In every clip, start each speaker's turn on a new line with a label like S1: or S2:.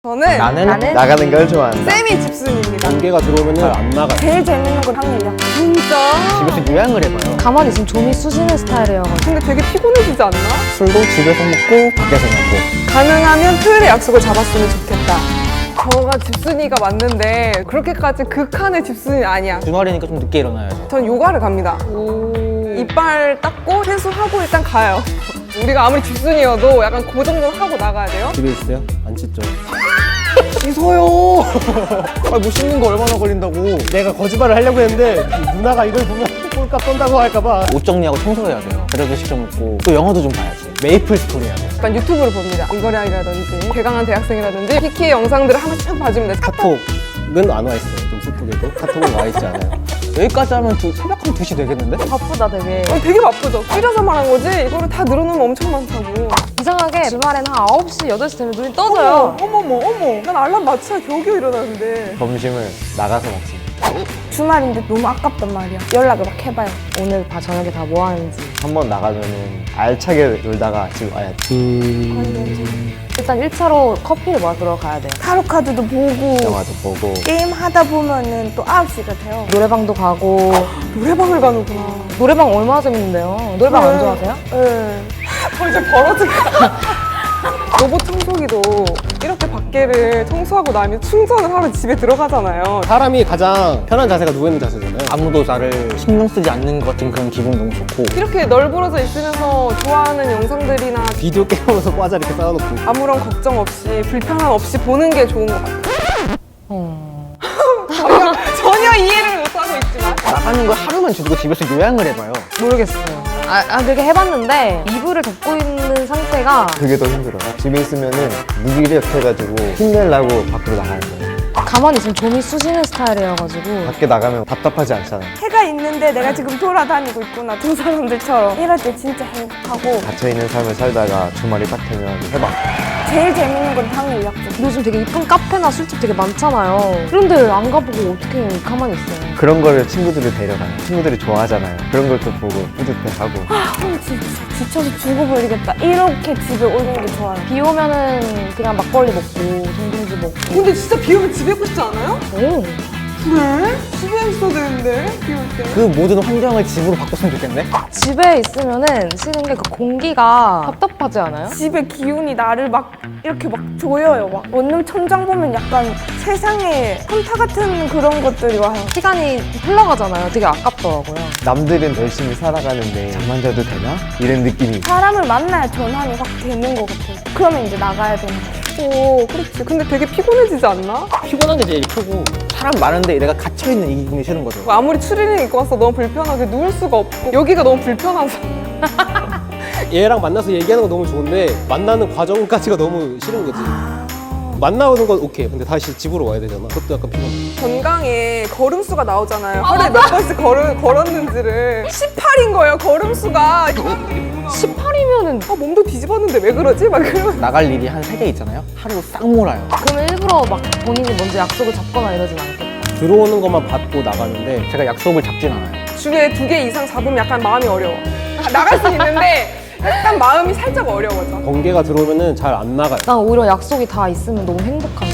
S1: 나는
S2: 나가는 걸 좋아한다.
S1: 쌤이 집순입니다.
S3: 관계가 들어오면 잘 안 나가요.
S4: 제일 재밌는 건 확률이야.
S1: 진짜?
S2: 집에서 요양을 해봐요.
S5: 가만히 있으면 좀이 쑤시는 스타일이어가지고
S1: 근데 되게 피곤해지지 않나?
S2: 술도 집에서 먹고 밖에서 먹고.
S1: 가능하면 토요일에 약속을 잡았으면 좋겠다. 저가 집순이가 맞는데 그렇게까지 극한의 집순이 아니야.
S2: 주말이니까 좀 늦게 일어나야죠.
S1: 전 요가를 갑니다. 이빨 닦고 세수하고 일단 가요. 우리가 아무리 집순이어도 약간 그 정도는 하고 나가야 돼요.
S3: 집에 있어요? 안 씻죠?
S2: 씻어요. 못 씻는 거 얼마나 걸린다고.
S3: 내가 거짓말을 하려고 했는데 누나가 이걸 보면 꼴값 떤다고 할까봐.
S2: 옷 정리하고 청소해야 돼요. 그래도 시켜 먹고 또 영화도 좀 봐야지. 메이플 스토리 해야 돼.
S1: 약간 유튜브를 봅니다. 이거량이라든지 개강한 대학생이라든지 키키의 영상들을 한 번씩 쭉 봐주면 돼.
S3: 카톡은 안 와 있어요. 좀 슬프게도 카톡은 와 있지 않아요.
S2: 여기까지 하면 새벽 한 2시 되겠는데?
S5: 바쁘다 되게.
S1: 되게 바쁘죠. 줄여서 말한 거지 이거를 다 늘어놓으면 엄청 많다고.
S5: 이상하게 주말에는 한 9시, 8시 되면 눈이 떠져요.
S1: 어머. 난 알람 맞춰야 겨우겨우 일어나는데.
S2: 점심을 나가서 먹습니다.
S4: 주말인데 너무 아깝단 말이야. 연락을 막 해봐요.
S5: 오늘 저녁에 다 뭐 하는지.
S2: 한번 나가면은 알차게 놀다가 집 와야 돼.
S5: 일단 1차로 커피를 마시러 가야 돼요.
S4: 타로 카드도 보고
S2: 영화도 보고.
S4: 게임 하다 보면은 또 9시가 돼요.
S5: 노래방도 가고.
S1: 노래방을 가는구나.
S5: 노래방 얼마나 재밌는데요? 노래방 안 좋아하세요?
S1: 네. 이제 벌어질까. 로봇 청소기도 이렇게 밖에를 청소하고 나면 충전을 하러 집에 들어가잖아요.
S3: 사람이 가장 편한 자세가 누워있는 자세잖아요.
S2: 아무도 나를 신경 쓰지 않는 것 같은 그런 기분 너무 좋고.
S1: 이렇게 널브러져 있으면서 좋아하는 영상들이나
S3: 비디오 게임하면서 과자 이렇게 쌓아놓고.
S1: 아무런 걱정 없이 불편함 없이 보는 게 좋은 것 같아요. 전혀 이해를 못하고 있지만
S2: 나가는 걸 하루만 주고 집에서 요양을 해봐요.
S5: 모르겠어요. 그렇게 해봤는데 이불을 덮고 있는 상태가
S2: 그게 더 힘들어요. 집에 있으면은 무기력해가지고 힘내려고 밖으로 나가는 거예요.
S5: 가만히 있으면 좀이 쑤시는 스타일이어가지고
S2: 밖에 나가면 답답하지 않잖아요.
S4: 해가 있는데 내가 지금 돌아다니고 있구나. 두 사람들처럼. 이럴 때 진짜 행복하고
S2: 갇혀있는 삶을 살다가 주말이 딱 되면 해봐.
S4: 제일 재밌는 건 당일 약속.
S5: 요즘 되게 이쁜 카페나 술집 되게 많잖아요. 그런데 안 가보고 어떻게 가만히 있어요?
S2: 그런 거를 친구들을 데려가요. 친구들이 좋아하잖아요. 그런 걸 또 보고 뿌듯해하고.
S4: 진짜 지쳐서 죽어버리겠다. 이렇게 집에 오는 게 좋아요.
S5: 비 오면은 그냥 막걸리 먹고 동동주 먹고.
S1: 근데 진짜 비 오면 집에 있고 싶지 않아요?
S5: 오.
S1: 그래? 집에 있어야 되는데 비 올 때.
S2: 그 모든 환경을 집으로 바꿨으면 좋겠네?
S5: 집에 있으면은 싫은 게 그 공기가 답답하지 않아요?
S4: 집에 기운이 나를 막 이렇게 막 조여요. 막 원룸 천장 보면 약간 세상에 현타 같은 그런 것들이 와요.
S5: 시간이 흘러가잖아요. 되게 아깝더라고요.
S2: 남들은 열심히 살아가는데 잠만 자도 되나? 이런 느낌이.
S4: 사람을 만나야 전환이 확 되는 것 같아요. 그러면 이제 나가야 되는 거예요.
S1: 오, 그렇지. 근데 되게 피곤해지지 않나?
S2: 피곤한 게 제일 크고 사람 많은데 내가 갇혀있는 이 기분이 싫은 거죠.
S1: 아무리 추리닝 입고 와서 너무 불편하게 누울 수가 없고 여기가 너무 불편하서.
S3: 얘랑 만나서 얘기하는 건 너무 좋은데 만나는 과정까지가 너무 싫은 거지. 만나오는 건 오케이. 근데 다시 집으로 와야 되잖아. 그것도 약간 피곤해.
S1: 건강에 걸음수가 나오잖아요. 하루에 몇 번씩 걸었는지를. 18인 거예요, 걸음수가.
S5: 18이면은
S1: 몸도 뒤집었는데 왜 그러지? 막 그러면.
S2: 나갈 일이 한 3개 있잖아요? 하루로 싹 몰아요.
S5: 그러면 일부러 막 본인이 먼저 약속을 잡거나 이러진 않겠다.
S3: 들어오는 것만 받고 나가는데
S2: 제가 약속을 잡진 않아요.
S1: 주에 2개 이상 잡으면 약간 마음이 어려워. 나갈 수 있는데 약간 마음이 살짝 어려워져.
S3: 번개가 들어오면은 잘 안 나가요.
S5: 난 오히려 약속이 다 있으면 너무 행복한데.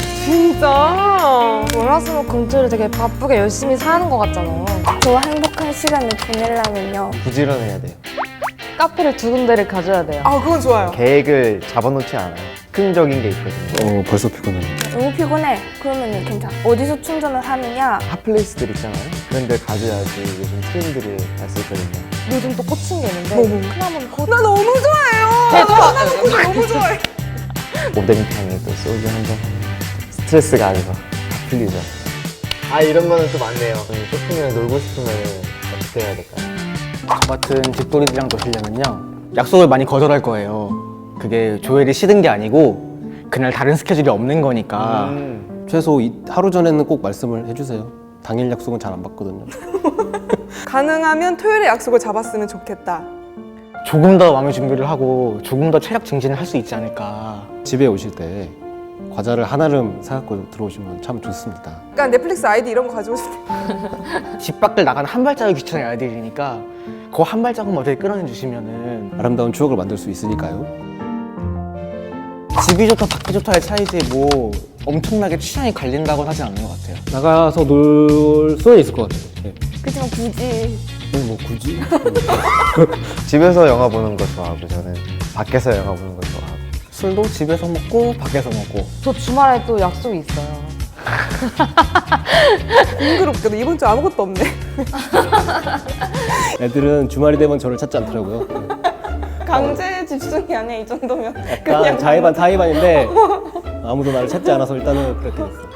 S1: 진짜.
S5: 월화수목금토를 되게 바쁘게 열심히 사는 것 같잖아요.
S4: 저와 행복한 시간을 보내려면요.
S2: 부지런해야 돼요.
S5: 카페를 2군데를 가져야 돼요.
S1: 아, 그건 좋아요.
S2: 계획을 잡아놓지 않아요. 긍정적인 게 있거든요.
S3: 벌써 피곤해.
S4: 너무 피곤해. 그러면 괜찮아. 어디서 충전을 하느냐?
S2: 핫플레이스들 있잖아요. 그런 데 가져야지 요즘 트렌드를 알 수 있거든요.
S5: 요즘 또 꽂힌 게 있는데
S1: 뭐?
S5: 크나몬 코
S1: 나 너무 좋아해요. 나 너무 좋아해.
S2: 오뎅탕에 또 소주 한잔 하면 스트레스가 아니고 다 풀리죠. 아, 이런 거는 또 많네요. 쇼핑을 놀고 싶으면 어떻게 해야 될까요? 저 같은 집돌이들이랑 노시려면요, 약속을 많이 거절할 거예요. 그게 조엘이 싫은 게 아니고 그날 다른 스케줄이 없는 거니까.
S3: 최소 하루 전에는 꼭 말씀을 해주세요. 당일 약속은 잘 안 받거든요.
S1: 가능하면 토요일에 약속을 잡았으면 좋겠다.
S2: 조금 더 마음의 준비를 하고 조금 더 체력 증진을 할 수 있지 않을까.
S3: 집에 오실 때 과자를 한아름 사갖고 들어오시면 참 좋습니다.
S1: 그러니까 넷플릭스 아이디 이런 거 가지고 싶어.
S2: 집 밖을 나가는 한 발자국 귀찮은 아이들이니까 그 한 발자국만 어떻게 끌어내 주시면은.
S3: 아름다운 추억을 만들 수 있으니까요.
S2: 집이 좋다 밖이 좋다의 차이지 뭐
S6: 엄청나게 취향이 갈린다고는 하진 않는 것 같아요.
S3: 나가서 놀 수는 있을 것 같아요. 네.
S4: 그렇지만 굳이
S3: 뭐 굳이?
S2: 집에서 영화 보는 거 좋아하고 저는 밖에서 영화 보는 거 좋아하고.
S6: 술도 집에서 먹고 밖에서 먹고.
S5: 저 주말에 또 약속이 있어요.
S1: 공교롭게도 이번 주 아무것도 없네.
S3: 애들은 주말이 되면 저를 찾지 않더라고요.
S4: 강제 집순이 아니야 이 정도면.
S3: 약간 자의반 타의반인데 아무도 나를 찾지 않아서 일단은 그렇게 됐어.